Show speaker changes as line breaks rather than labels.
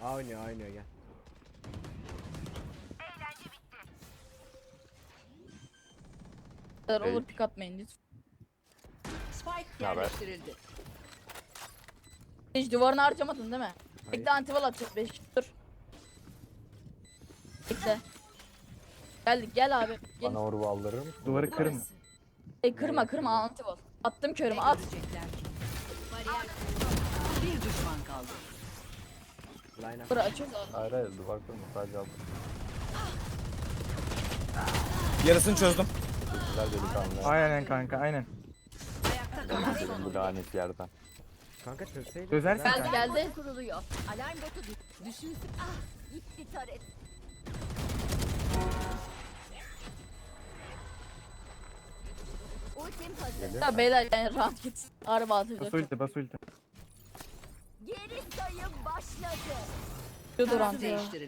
A oynuyor, A oynuyor, gel.
Olur pick atmayın lütfen.
Spike
Naber?
yerleştirildi.
Hiç duvarını harcamadın değil mi?
Hayır.
Bekle antival atacağız 5 dur. Bekle. Gel abi. Gel.
Bana orbu aldırır mısın?
Duvarı kırın.
Kırma antival. Attım körümü at.
Görecekler ki. Bir düşman kaldı.
Line up.
Dur açıyoruz abi.
Hayır hayır duvar kırma sadece aldım.
Yarısını çözdüm.
Güzel delikanlı.
Aynen kanka aynen.
Ayakta kalan son
Benim bu
oyuncu.
lanet yerden.
Kanka çözseydin.
Çözersin
Güzel.
kanka.
Geldi.
Kuruluyor. Alarm botu düşünsün. Ah, gitti taret. Ultim hazır.
Ya beyler yani rahat git. Araba atacak.
Bas ulti.
Geri sayım başladı.
Dur
Taraf
antival.
değiştirildi.